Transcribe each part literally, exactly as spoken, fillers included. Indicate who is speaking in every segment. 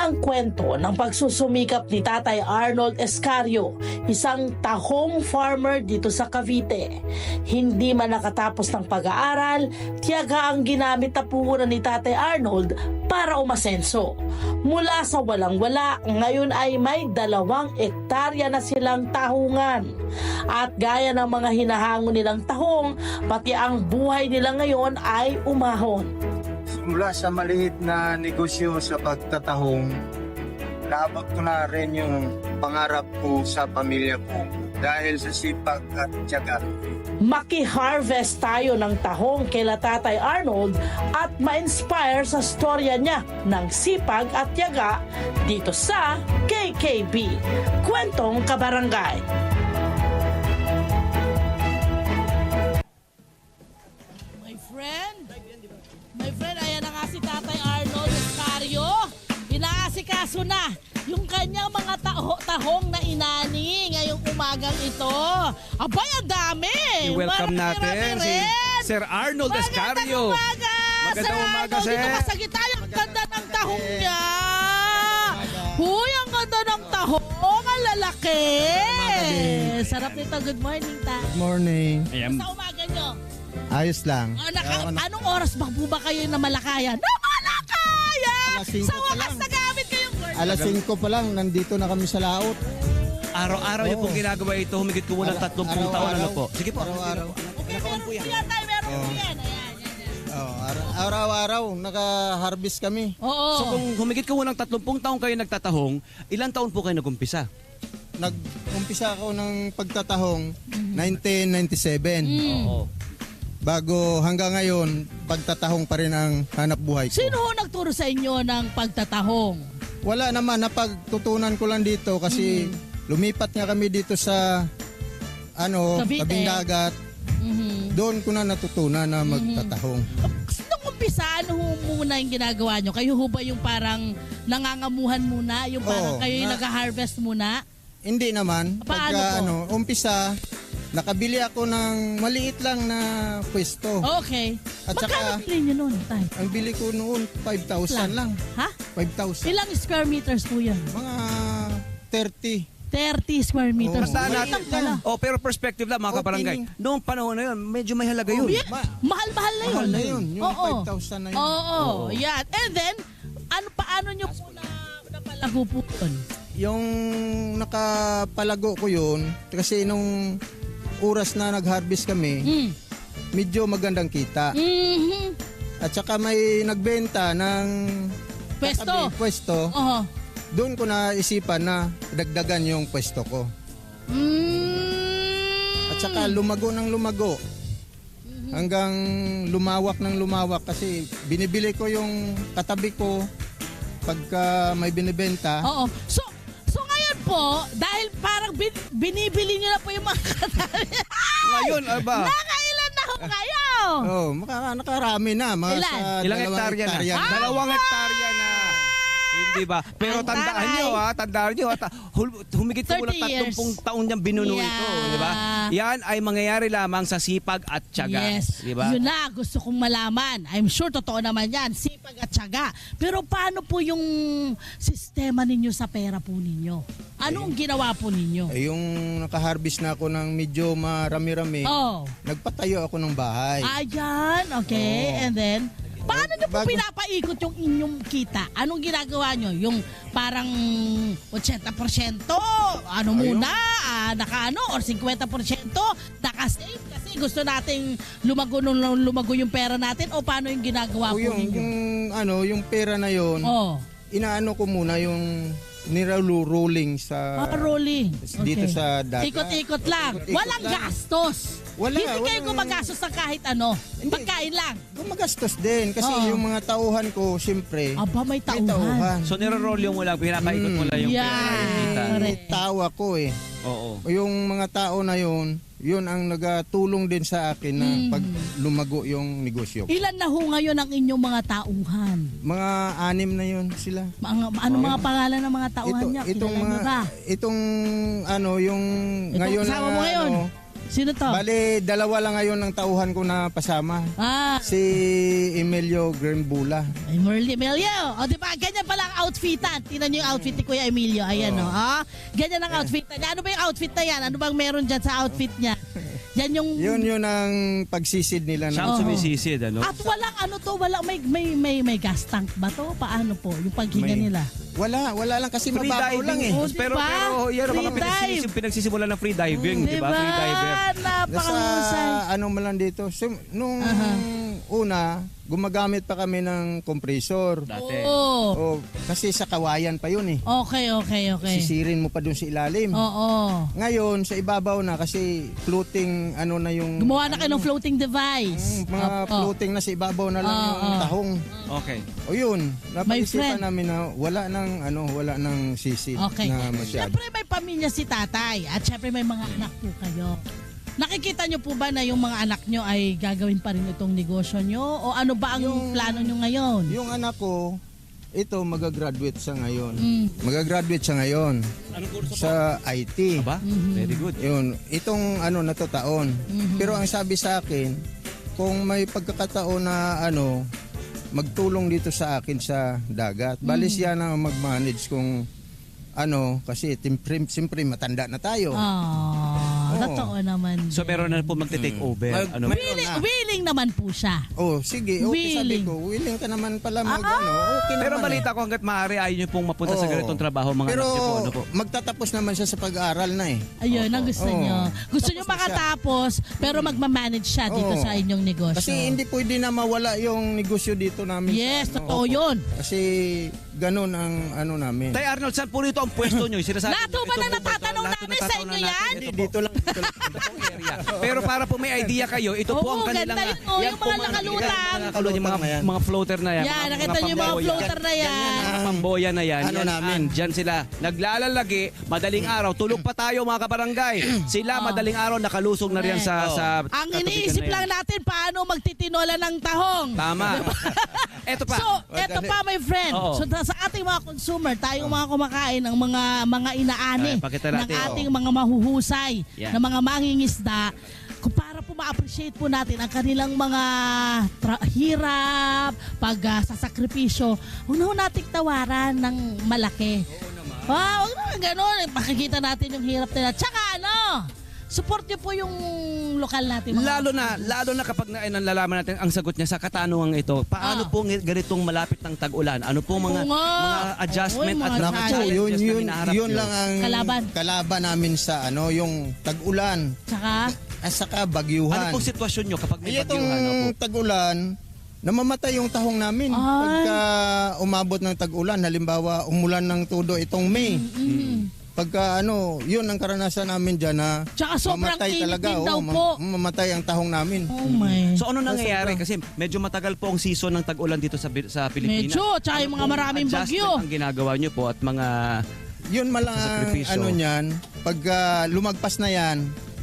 Speaker 1: ang kwento ng pagsusumikap ni Tatay Arnold Escario, isang tahong farmer dito sa Cavite. Hindi man nakatapos ng pag-aaral, tiyaga ang ginamit na puhunan ni Tatay Arnold para umasenso. Mula sa walang-wala, ngayon ay may dalawang ektarya na silang tahungan. At gaya ng mga hinahango nilang tahong, pati ang buhay nila ngayon ay umahon.
Speaker 2: Mula sa maliit na negosyo sa pagtatahong, naabot ko na rin yung pangarap ko sa pamilya ko dahil sa sipag at tiyaga.
Speaker 1: Maki-harvest tayo ng tahong kila Tatay Arnold at ma-inspire sa storya niya ng sipag at tiyaga dito sa K K B, Kwentong Kabarangay. My friend, my friend, ayan na nga si Tatay Arnold Escario. Inaasikaso na yung kanyang mga taho tahong na inani ngayong umagang ito. Abay, ang dami!
Speaker 3: I-welcome natin
Speaker 1: Marami-rami
Speaker 3: si
Speaker 1: rin.
Speaker 3: Sir Arnold Escario.
Speaker 1: Magandang umaga!
Speaker 3: Magandang
Speaker 1: Sir
Speaker 3: umaga,
Speaker 1: Arnold,
Speaker 3: sir.
Speaker 1: dito ka sa gitna. Ang ganda ng tahong niya. Huy, ang ganda ng tahong. Ang lalaki. Sarap nito. Good morning, ta.
Speaker 4: Morning.
Speaker 3: Ayan.
Speaker 1: Sa umaga nyo.
Speaker 4: Ayos lang.
Speaker 1: Oh, naka, anong oras ba po ba kayo na malakayan? Na malakayan!
Speaker 4: Alas singko
Speaker 1: Sa
Speaker 4: pa
Speaker 1: wakas
Speaker 4: lang.
Speaker 1: nagamit kayong word.
Speaker 4: Alas singko pa lang, nandito na kami sa laot.
Speaker 3: Araw-araw niyo
Speaker 4: Oo.
Speaker 3: pong ginagawa ito, humigit ko muna
Speaker 4: Ara-
Speaker 3: tatlong taon. Ano
Speaker 4: araw-araw.
Speaker 3: po? Sige po.
Speaker 4: Araw-araw.
Speaker 1: Okay, meron po yan tayo. Meron po yan. Ayan, yan, yan.
Speaker 4: Oh, ara- araw-araw, naka-harvest kami.
Speaker 1: Oo.
Speaker 3: So kung humigit ko muna tatlumpung taon kayo nagtatahong, ilang taon po kayo nagumpisa?
Speaker 4: Nag-umpisa ako ng pagtatahong nineteen ninety-seven.
Speaker 1: Mm.
Speaker 3: Oo.
Speaker 4: Bago hanggang ngayon, pagtatahong pa rin ang hanap buhay ko.
Speaker 1: Sino ho nagturo sa inyo ng pagtatahong?
Speaker 4: Wala naman, napagtutunan ko lang dito kasi lumipat nga kami dito sa ano,
Speaker 1: Cavite.
Speaker 4: tabing dagat.
Speaker 1: Mhm.
Speaker 4: Doon ko na natutunan na magtatahong.
Speaker 1: Nung umpisa, ano ho muna yung ginagawa nyo? Kayo ho ba yung parang nangangamuhan muna? Yung parang
Speaker 4: Oo,
Speaker 1: kayo yung
Speaker 4: na-
Speaker 1: nag-harvest muna?
Speaker 4: Hindi naman.
Speaker 1: Paano
Speaker 4: Pagka
Speaker 1: po?
Speaker 4: ano, umpisa, nakabili ako ng maliit lang na pwesto.
Speaker 1: Okay.
Speaker 4: At
Speaker 1: Magkano
Speaker 4: saka-
Speaker 1: bilhin nyo nun, tay?
Speaker 4: Ang bili ko noon, five thousand lang.
Speaker 1: Ha?
Speaker 4: five thousand.
Speaker 1: Ilang square meters po yan?
Speaker 4: Mga thirty.
Speaker 1: thirty square meters.
Speaker 4: Oo.
Speaker 3: Tandaan
Speaker 1: Maliit
Speaker 3: natin.
Speaker 1: lang pala.
Speaker 3: Oh, pero perspective lang mga kabarangay.
Speaker 4: Opening.
Speaker 3: Noong panahon na yun, medyo may halaga yun.
Speaker 1: Yeah.
Speaker 4: Ma-
Speaker 1: Mahal-mahal na yun.
Speaker 4: Mahal na yun. Yung
Speaker 1: Oo.
Speaker 4: five thousand na yun.
Speaker 1: Oo, yan. And then, ano paano nyo po na napalago po yun?
Speaker 4: Yung nakapalago ko yun, kasi nung oras na nag-harvest kami,
Speaker 1: Mm.
Speaker 4: medyo magandang kita.
Speaker 1: Mhm.
Speaker 4: At saka may nagbenta ng
Speaker 1: Pwesto.
Speaker 4: katabi, pwesto.
Speaker 1: Oo.
Speaker 4: Doon ko naisipan na dagdagan yung pwesto ko.
Speaker 1: Mm.
Speaker 4: At saka lumago ng lumago. Hanggang lumawak ng lumawak kasi binibili ko yung katabi ko pagka may binibenta.
Speaker 1: Oo. So, so ngayon po, dahil parang bin, binibili nyo na po yung mga katabi.
Speaker 3: Ngayon, aba,
Speaker 1: Nakailan na ho kayo?
Speaker 4: Oh, maka, nakarami na. Mga
Speaker 1: Ilan?
Speaker 4: sa
Speaker 3: ilang
Speaker 4: dalawang
Speaker 3: hektarya na?
Speaker 4: hektarya na.
Speaker 3: Dalawang hektarya na. Hindi ba? Pero
Speaker 1: Ang
Speaker 3: tandaan
Speaker 1: taray.
Speaker 3: nyo ha, tandaan nyo ha, ta- hul- humigit ko muna
Speaker 1: thirty years.
Speaker 3: tatlumpung taon niyang binuno
Speaker 1: Yeah.
Speaker 3: ito, di ba? Yan ay mangyayari lamang sa sipag at tiyaga,
Speaker 1: Yes.
Speaker 3: di ba?
Speaker 1: Yun na, gusto kong malaman. I'm sure totoo naman yan. Sipag at tiyaga. Pero paano po yung sistema ninyo sa pera po ninyo? Ano ang ginawa po ninyo?
Speaker 4: Eh, yung nakaharvest na ako ng medyo marami-rami,
Speaker 1: Oh.
Speaker 4: nagpatayo ako ng bahay.
Speaker 1: Ayan, okay.
Speaker 4: Oo.
Speaker 1: And then, paano nyo po
Speaker 4: Bago-
Speaker 1: pinapaikot yung inyong kita? Anong ginagawa nyo? Yung parang eighty percent, ano
Speaker 4: Ayun.
Speaker 1: muna, ah, naka ano, or fifty percent, naka-save kasi gusto nating lumago nung lumago yung pera natin o paano yung ginagawa
Speaker 4: O
Speaker 1: po
Speaker 4: yung,
Speaker 1: ninyo?
Speaker 4: yung, ano, yung pera na yon,
Speaker 1: Oh,
Speaker 4: inaano ko muna yung niralu-rolling sa...
Speaker 1: ah, rolling.
Speaker 4: dito
Speaker 1: Okay.
Speaker 4: sa dagat.
Speaker 1: Ikot-ikot lang.
Speaker 4: Ikot-ikot
Speaker 1: Walang
Speaker 4: lang.
Speaker 1: gastos.
Speaker 4: Wala,
Speaker 1: Hindi kayo
Speaker 4: walang-
Speaker 1: gumagastos ng kahit ano.
Speaker 4: Hindi.
Speaker 1: Pagkain lang.
Speaker 4: Gumagastos din kasi
Speaker 1: Oo.
Speaker 4: yung mga tauhan ko, siyempre,
Speaker 1: Aba, may
Speaker 4: may
Speaker 1: tauhan.
Speaker 4: tauhan.
Speaker 3: So nirorolyo mo lang, pinapaikot mo lang yung
Speaker 1: Yeah.
Speaker 3: pera, yung kita.
Speaker 1: Correct.
Speaker 4: May tawa ko eh.
Speaker 3: Oo.
Speaker 4: Yung mga tao na yun, yun ang nagatulong din sa akin na
Speaker 1: Mm.
Speaker 4: pag lumago yung negosyo.
Speaker 1: Ilan na ho ngayon ang inyong mga tauhan?
Speaker 4: Mga anim na yun sila.
Speaker 1: Mga, ano mga pangalan ng mga tauhan
Speaker 4: Ito,
Speaker 1: niya?
Speaker 4: itong
Speaker 1: Kilala
Speaker 4: mga
Speaker 1: niyo ba?
Speaker 4: itong ano yung
Speaker 1: Itong
Speaker 4: ngayon
Speaker 1: kasama
Speaker 4: na
Speaker 1: mo ngayon?
Speaker 4: ano,
Speaker 1: Sino to?
Speaker 4: Bali, dalawa lang ngayon ng tauhan ko na pasama.
Speaker 1: Ah,
Speaker 4: Si Emilio Grambula.
Speaker 1: Emilio. Emilio. O, di ba? Ganyan pala ang outfitan. Tingnan niyo yung outfit ni Kuya Emilio. Ayan, o. Ah, ganyan ang outfitan niya. Ano ba yung outfit na yan? Ano bang meron dyan sa outfit niya? Yan yung...
Speaker 4: Yun yun ang pagsisid nila.
Speaker 3: Siya
Speaker 4: Na,
Speaker 3: ang
Speaker 1: Oo.
Speaker 3: sumisisid, ano?
Speaker 1: At walang ano to, walang may may may may gas tank ba to? Paano po yung paghinga
Speaker 4: May-
Speaker 1: nila?
Speaker 4: wala, wala lang kasi
Speaker 3: Free
Speaker 4: mababaw lang eh.
Speaker 1: Oh,
Speaker 3: Pero,
Speaker 1: diba?
Speaker 3: pero yan ang mga
Speaker 1: Free
Speaker 3: pinagsisim,
Speaker 1: dive.
Speaker 3: pinagsisimulan ng free diving, di ba?
Speaker 1: Diba?
Speaker 3: Free diver.
Speaker 1: Napakahusay.
Speaker 4: Nasa ano man lang dito. So, nung
Speaker 1: Aha.
Speaker 4: una, gumagamit pa kami ng compressor.
Speaker 3: Dati.
Speaker 1: Oo.
Speaker 4: O, kasi sa kawayan pa yun eh.
Speaker 1: Okay, okay, okay.
Speaker 4: Sisirin mo pa dun sa ilalim.
Speaker 1: Oo.
Speaker 4: Ngayon, sa ibabaw na kasi floating ano na yung...
Speaker 1: Gumawa na kayo ng floating device.
Speaker 4: Mm, mga
Speaker 1: Opo.
Speaker 4: floating na sa ibabaw na lang
Speaker 1: Oo.
Speaker 4: yung tahong.
Speaker 3: Okay.
Speaker 4: O yun,
Speaker 1: friend.
Speaker 4: napag-isipan namin na wala ng ano, wala ng sisi
Speaker 1: Okay.
Speaker 4: na masyado.
Speaker 1: Siyempre may pamilya si tatay at siyempre may mga anak po kayo. Nakikita nyo po ba na yung mga anak nyo ay gagawin pa rin itong negosyo nyo? O ano ba ang
Speaker 4: Yung-
Speaker 1: plano nyo ngayon?
Speaker 4: Yung anak ko, ito magagraduate siya ngayon.
Speaker 1: Mm.
Speaker 4: Magagraduate siya ngayon
Speaker 3: Anong kurso
Speaker 4: sa I T.
Speaker 3: Aba?
Speaker 1: Mhm.
Speaker 3: Very good.
Speaker 4: Yun, itong ano na to taon.
Speaker 1: Mhm.
Speaker 4: Pero ang sabi sa akin, kung may pagkakataon na ano, magtulong dito sa akin sa dagat. Bali
Speaker 1: Mm.
Speaker 4: siya na mag-manage kung ano, kasi siyempre, siyempre matanda na tayo.
Speaker 1: Ah,
Speaker 4: Oo.
Speaker 1: totoo naman.
Speaker 3: So meron na po magte-take over.
Speaker 4: Mag-
Speaker 3: Ano?
Speaker 4: may-
Speaker 1: willing,
Speaker 4: na.
Speaker 1: willing naman po siya.
Speaker 4: Oh, sige, okay sabi
Speaker 1: Willing.
Speaker 4: ko, willing ka naman pala mag
Speaker 1: Ah,
Speaker 4: ano, okay
Speaker 3: Pero
Speaker 4: naman
Speaker 3: balita ko hanggat maaari ayaw niyo pong mapunta sa
Speaker 4: Oo.
Speaker 3: ganitong trabaho mga
Speaker 4: Pero
Speaker 3: anak niyo po. Ano po?
Speaker 4: magtatapos naman siya sa pag-aaral na eh.
Speaker 1: Ayun, ang gusto
Speaker 4: Oo.
Speaker 1: nyo. Gusto nyo
Speaker 4: Tapos na siya.
Speaker 1: makatapos, pero magmamanage siya dito
Speaker 4: Oo.
Speaker 1: sa inyong negosyo.
Speaker 4: Kasi hindi pwede na mawala yung negosyo dito namin.
Speaker 1: Yes,
Speaker 4: sa, ano.
Speaker 1: totoo yun.
Speaker 4: Kasi ganun ang ano namin.
Speaker 3: Tay Arnold, saan po rito ang pwesto niyo? Sinasabi
Speaker 1: Lahat
Speaker 3: niyo,
Speaker 1: po ba
Speaker 3: ito
Speaker 1: na
Speaker 3: po ba ito?
Speaker 1: natatanong
Speaker 3: Lahat
Speaker 1: namin
Speaker 3: natatanong
Speaker 1: sa inyo
Speaker 3: natin.
Speaker 1: yan?
Speaker 3: Ito
Speaker 4: Hindi,
Speaker 3: po.
Speaker 4: dito lang. Dito lang.
Speaker 3: Ito pong area. Pero para po may idea kayo, ito po ang
Speaker 1: Oo,
Speaker 3: kanilang...
Speaker 1: ganda yun, oh,
Speaker 3: yan
Speaker 1: yung
Speaker 3: po
Speaker 1: mga nakalutang.
Speaker 3: Mga, kalutang, yung mga,
Speaker 4: na yan.
Speaker 3: mga floater na yan.
Speaker 1: Yan, nakita nyo yung mga
Speaker 3: pamboya.
Speaker 1: floater na yan.
Speaker 3: Mga pamboya na yan.
Speaker 4: Ano
Speaker 3: yan,
Speaker 4: namin?
Speaker 3: ah, Diyan sila. Naglalalagi, madaling araw. Tulog pa tayo mga kabarangay. Sila madaling araw nakalusog na riyan sa... sa
Speaker 1: Ang
Speaker 3: katubigan
Speaker 1: iniisip
Speaker 3: na yan.
Speaker 1: lang natin paano magtitinola ng tahong.
Speaker 3: Tama. Ito pa.
Speaker 1: So, eto pa my friend.
Speaker 3: Oo.
Speaker 1: So sa ating mga consumer, tayong mga kumakain ng mga mga inaani
Speaker 3: Ay, pakita
Speaker 1: ng
Speaker 3: natin.
Speaker 1: ating mga mahuhusay
Speaker 3: Yan.
Speaker 1: na mga mangingisda, kung para po ma-appreciate po natin ang kanilang mga tra- hirap, pag uh, sasakripisyo, huwag na ho nating tawaran ng malaki. Ah, huwag naman ganun. Makikita natin yung hirap nila. Tsaka ano, support niyo po yung lokal natin. mga-
Speaker 3: Lalo na, lalo na kapag na, nalalaman natin ang sagot niya sa katanungang ito, paano
Speaker 1: Ah.
Speaker 3: po ng- ganitong malapit ng tag-ulan? Ano po mga,
Speaker 1: Oo nga.
Speaker 3: mga adjustment
Speaker 1: Oo,
Speaker 3: at
Speaker 1: mga
Speaker 3: mga
Speaker 4: Naku,
Speaker 1: challenges
Speaker 4: yun,
Speaker 3: challenges na
Speaker 4: yun,
Speaker 3: hinaharap
Speaker 4: yun
Speaker 3: niyo?
Speaker 4: lang ang
Speaker 1: Kalaban.
Speaker 4: kalaban namin sa ano, yung tag-ulan
Speaker 1: Tsaka,
Speaker 4: at saka
Speaker 3: Ano
Speaker 4: bagyuhan.
Speaker 3: pong sitwasyon nyo kapag may
Speaker 4: Eh, itong
Speaker 3: bagyuhan? Opo?
Speaker 4: tag-ulan, namamatay yung tahong namin.
Speaker 1: Ay.
Speaker 4: Pagka umabot ng tag-ulan, halimbawa umulan ng todo itong May.
Speaker 1: mm,
Speaker 4: Pagka ano, yun ang karanasan namin dyan na
Speaker 1: Tsaka sobrang
Speaker 4: mamatay
Speaker 1: init
Speaker 4: talaga.
Speaker 1: din
Speaker 4: oo,
Speaker 1: daw
Speaker 4: mam-
Speaker 1: po.
Speaker 4: Mamatay ang tahong namin.
Speaker 1: oh my.
Speaker 3: So ano nangyayari? Kasi medyo matagal po ang season ng tag-ulan dito sa sa Pilipinas.
Speaker 1: Medyo, tsaka yung mga
Speaker 3: pong
Speaker 1: maraming
Speaker 3: adjustment
Speaker 1: bagyo.
Speaker 3: ang ginagawa nyo po at mga...
Speaker 4: Yun malang
Speaker 3: Sa sakripisyo.
Speaker 4: ano niyan, pagka lumagpas na yan,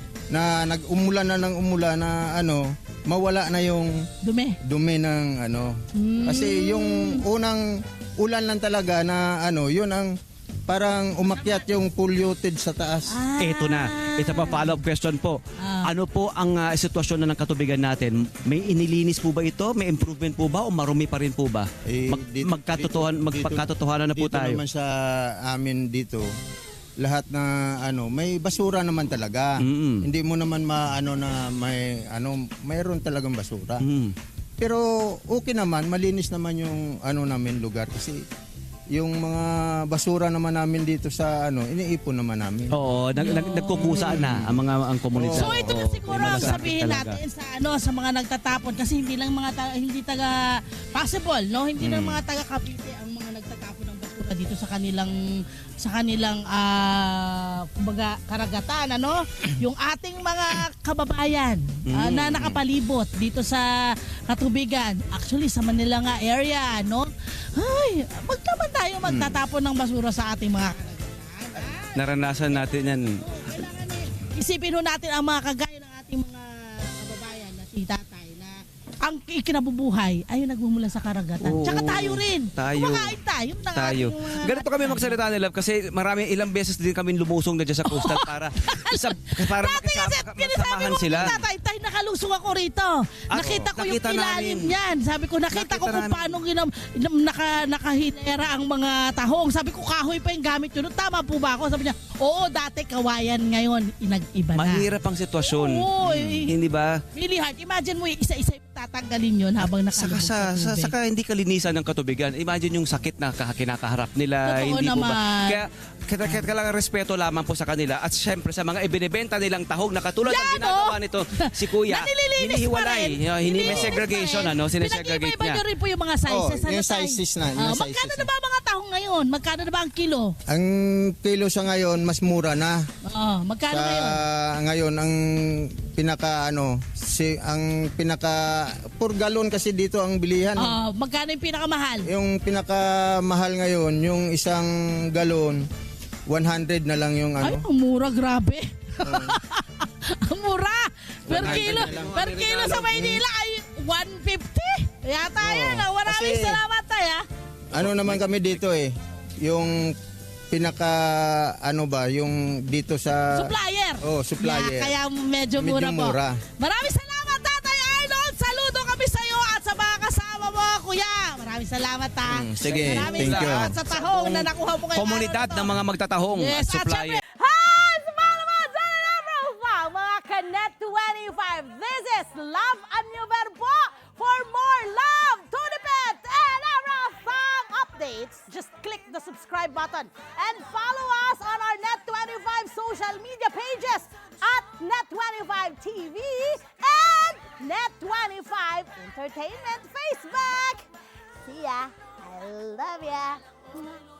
Speaker 4: na nag-umulan na ng umulan na ano, mawala na yung
Speaker 1: Dumi.
Speaker 4: dumi ng ano.
Speaker 1: Mm.
Speaker 4: Kasi yung unang ulan lang talaga na ano, yun ang parang umakyat yung polluted sa taas.
Speaker 1: Ah.
Speaker 3: Eto na. Ito pa follow-up question po.
Speaker 1: Ah.
Speaker 3: Ano po ang ah, sitwasyon na ng katubigan natin? May inilinis po ba ito? May improvement po ba? O marumi pa rin po ba?
Speaker 4: Eh,
Speaker 3: Mag,
Speaker 4: dito-
Speaker 3: magkatotohan,
Speaker 4: dito-
Speaker 3: magpagkatotohanan na po
Speaker 4: dito
Speaker 3: tayo.
Speaker 4: naman sa amin dito, lahat na ano, may basura naman talaga.
Speaker 3: Mm.
Speaker 4: Hindi mo naman maano na may ano, mayroon talagang basura.
Speaker 3: Mm.
Speaker 4: Pero okay naman, malinis naman yung ano namin lugar kasi yung mga basura naman namin dito sa ano, iniipon naman namin.
Speaker 3: Oo, nag, nag, nagkukusa na ang mga ang komunidad.
Speaker 1: So ito na
Speaker 4: Oo,
Speaker 1: siguro
Speaker 3: may
Speaker 1: ang
Speaker 3: malasakit
Speaker 1: sabihin
Speaker 3: talaga.
Speaker 1: natin sa ano sa mga nagtatapon kasi hindi lang mga taga, hindi taga possible no hindi lang
Speaker 3: Mm.
Speaker 1: mga taga Cavite ang mga nagtatapon ng basura dito sa kanilang sa kanilang ah kumbaga karagatan ano yung ating mga kababayan ah,
Speaker 3: Mm.
Speaker 1: na nakapalibot dito sa katubigan actually sa Manila nga area no ay wag naman tayo magtatapon ng basura sa ating mga karagatan.
Speaker 3: Naranasan natin yan.
Speaker 1: Kailangan eh, isipin ho natin ang mga kagaya ng ating mga kababayan na si tatay na ang ikinabubuhay ay yung nagmumula sa karagatan.
Speaker 3: Oo.
Speaker 1: Tsaka tayo rin.
Speaker 3: Tayo.
Speaker 1: Kumakain tayo. ng
Speaker 3: Tayo.
Speaker 1: ating mga-
Speaker 3: Ganito kami magsalita nila kasi marami ilang beses din kami lumusong na dyan sa coastal para sa, para
Speaker 1: Dati kasi,
Speaker 3: makisama,
Speaker 1: kinasabi
Speaker 3: magsamahan
Speaker 1: mo,
Speaker 3: sila.
Speaker 1: tatay, tay, nakalusong ako rito.
Speaker 3: Ah,
Speaker 1: nakita ko yung
Speaker 3: nakita
Speaker 1: ilalim
Speaker 3: namin.
Speaker 1: niyan. Sabi ko, nakita,
Speaker 3: Nakita
Speaker 1: ko kung
Speaker 3: namin.
Speaker 1: paano ginam, ginam, naka, nakahilera ang mga tahong. Sabi ko, kahoy pa yung gamit yun. Tama po ba ako? Sabi niya, oo, dati kawayan, ngayon inag-iba na.
Speaker 3: Mahirap ang sitwasyon.
Speaker 1: Oo, eh.
Speaker 3: Hindi ba?
Speaker 1: Really hard. Imagine mo, isa-isa yung tatanggalin yun habang
Speaker 3: Saka
Speaker 1: nakalubog
Speaker 3: sa, sa
Speaker 1: tubig.
Speaker 3: saka hindi kalinisan ng katubigan. Imagine yung sakit na kah- kinakaharap nila.
Speaker 1: Totoo
Speaker 3: hindi po ba?
Speaker 1: naman.
Speaker 3: Kaya kaya kaya kailangan respeto lamang po sa kanila at syempre sa mga ibinebenta nilang tahong na katulad ng
Speaker 1: Yan,
Speaker 3: ginagawa
Speaker 1: oh!
Speaker 3: nito si Kuya.
Speaker 1: Na nililinis pa
Speaker 3: Hinihiwalay.
Speaker 1: rin.
Speaker 3: Hindi may
Speaker 1: Nililinis
Speaker 3: segregation
Speaker 1: pa rin.
Speaker 3: ano, sinesegregate
Speaker 1: Pinag-iba-iba
Speaker 3: niya.
Speaker 1: nyo rin po yung mga sizes.
Speaker 4: Oh,
Speaker 1: ano,
Speaker 4: yung
Speaker 1: tay?
Speaker 4: sizes na, yung
Speaker 1: Ah,
Speaker 4: sizes
Speaker 1: magkano
Speaker 4: na.
Speaker 1: na ba ang mga tahong ngayon? Magkano na ba ang kilo?
Speaker 4: Ang kilo sa ngayon, mas mura na.
Speaker 1: Oh, magkano
Speaker 4: Sa
Speaker 1: ngayon?
Speaker 4: ngayon, ang pinaka ano, si, ang pinaka, per galon kasi dito ang bilihan.
Speaker 1: Oh, magkano yung pinakamahal?
Speaker 4: Yung pinakamahal ngayon, yung isang galon, one hundred na lang yung
Speaker 1: Ay,
Speaker 4: ano.
Speaker 1: ang mura, grabe. Ang mura. Per
Speaker 3: one hundred
Speaker 1: kilo,
Speaker 3: na lang.
Speaker 1: per kilo sa Maynila ay one fifty. Yata yun. ah. Maraming
Speaker 4: kasi-
Speaker 1: salamat tayo.
Speaker 4: Ano naman kami dito eh, yung pinaka, ano ba, yung dito sa...
Speaker 1: Supplier.
Speaker 4: Oh, supplier.
Speaker 1: Yeah, kaya medyo
Speaker 4: Medyo
Speaker 1: mura po.
Speaker 4: mura.
Speaker 1: Maraming salamat, Tatay Arnold. Saludo kami sa iyo at sa mga kasama mo, Kuya. Maraming salamat, ha.
Speaker 4: Mm, sige,
Speaker 1: Maraming
Speaker 4: thank you.
Speaker 1: salamat sa tahong na nakuha mo ngayong
Speaker 3: Komunidad
Speaker 1: araw na
Speaker 3: ng
Speaker 1: to.
Speaker 3: mga magtatahong
Speaker 1: Yes,
Speaker 3: at
Speaker 1: at
Speaker 3: supplier.
Speaker 1: syempre, hi! Sa mga naman, sa Love mga Kanet twenty-five. This is Love and New Verbo. For more love, to the pet, and everything updates, just click the subscribe button and follow us on our Net twenty-five social media pages at Net twenty-five T V and Net twenty-five Entertainment Facebook. See ya. I love ya.